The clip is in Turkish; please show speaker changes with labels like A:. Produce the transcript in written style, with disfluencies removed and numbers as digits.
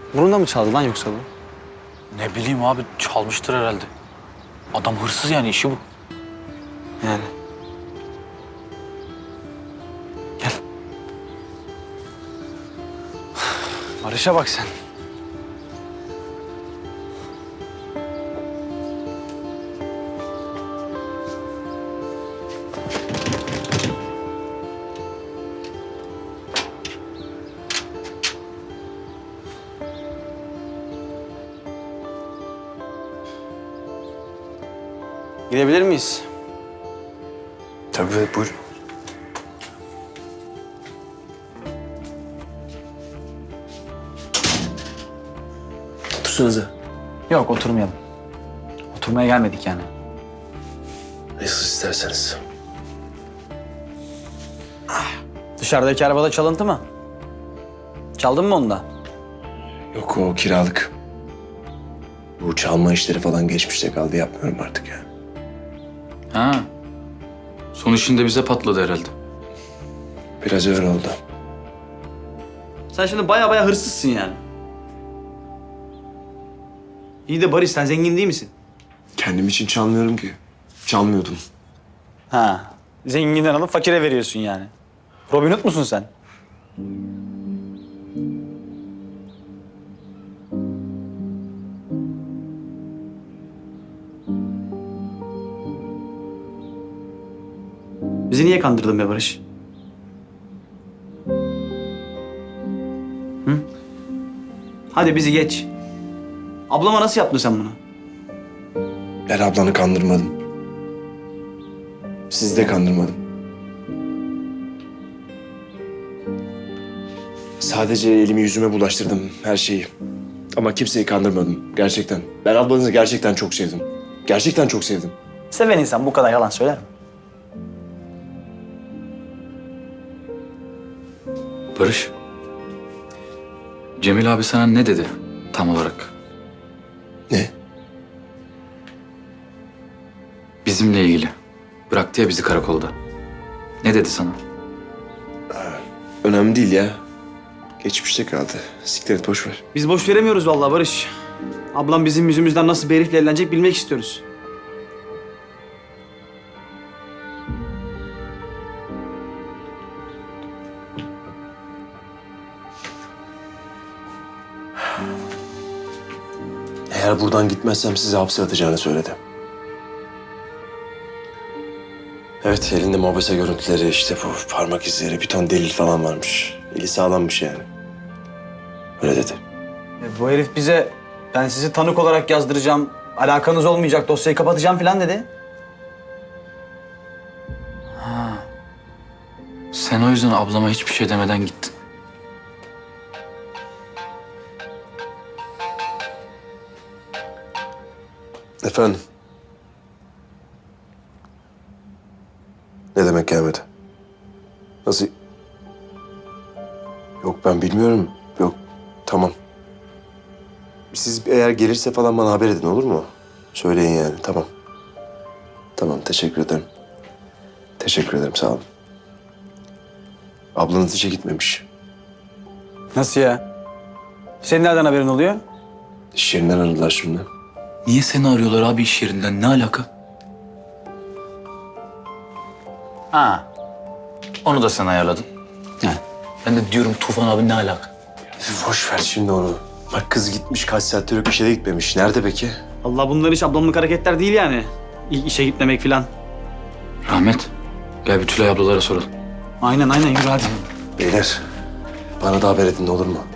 A: Bunu da mı çaldı lan yoksa bu?
B: Ne bileyim abi, çalmıştır herhalde. Adam hırsız yani, işi bu.
A: Yani. Gel. Barış'a bak sen. Gidebilir miyiz?
C: Tabii, buyur. Otursanıza.
B: Yok, oturmayalım. Oturmaya gelmedik yani.
C: Nasıl isterseniz.
A: Dışarıdaki arabada çalıntı mı? Çaldın mı onu da?
C: Yok, o kiralık. Bu çalma işleri falan geçmişte kaldı, yapmıyorum artık ya.
D: Ha. Son işinde bize patladı herhalde.
C: Biraz öyle oldu.
A: Sen şimdi baya hırsızsın yani. İyi de Barış, sen zengin değil misin?
C: Kendim için çalmıyorum ki. Çalmıyordum.
A: Ha. Zenginden alıp fakire veriyorsun yani. Robin Hood musun sen? Bizi niye kandırdın be Barış? Hı? Hadi bizi geç. Ablama nasıl yaptın sen bunu?
C: Ben ablanı kandırmadım. Sizi de kandırmadım. Sadece elimi yüzüme bulaştırdım her şeyi. Ama kimseyi kandırmadım gerçekten. Ben ablanızı gerçekten çok sevdim. Gerçekten çok sevdim.
A: Seven insan bu kadar yalan söyler mi?
D: Barış. Cemil abi sana ne dedi tam olarak?
C: Ne?
D: Bizimle ilgili. Bıraktı ya bizi karakolda. Ne dedi sana?
C: Önemli değil ya. Geçmişte kaldı. Siktir et, boş ver.
A: Biz boş veremiyoruz vallahi Barış. Ablam bizim yüzümüzden nasıl bir herifle evlenecek bilmek istiyoruz.
C: Eğer buradan gitmezsem sizi hapse atacağını söyledi. Evet, elinde mobese görüntüleri, işte bu parmak izleri, bir ton delil falan varmış. Eli sağlammış yani. Öyle dedi.
A: Bu herif bize ben sizi tanık olarak yazdıracağım, alakanız olmayacak, dosyayı kapatacağım falan dedi.
D: Sen o yüzden ablama hiçbir şey demeden gittin.
C: Efendim? Ne demek gelmedi? Nasıl? Yok, ben bilmiyorum. Yok, tamam. Siz eğer gelirse falan bana haber edin, olur mu? Söyleyin yani, tamam. Tamam, teşekkür ederim. Teşekkür ederim, sağ olun. Ablanız işe gitmemiş.
A: Nasıl ya? Senin nereden haberin oluyor?
C: İş yerinden aradılar şimdi.
D: Niye seni arıyorlar abi iş yerinden? Ne alaka?
A: Ha.
D: Onu da sen ayarladın.
A: He.
D: Ben de diyorum Tufan abi ne alaka?
C: Boş ver şimdi onu. Bak, kız gitmiş, kaç saattir yok, işe de gitmemiş. Nerede peki?
A: Allah, bunlar hiç ablamlık hareketler değil yani. İşe gitmemek falan.
D: Rahmet. Gel bir Tülay ablalara soralım.
A: Aynen yürü hadi.
C: Beyler, bana da haber edin, olur mu?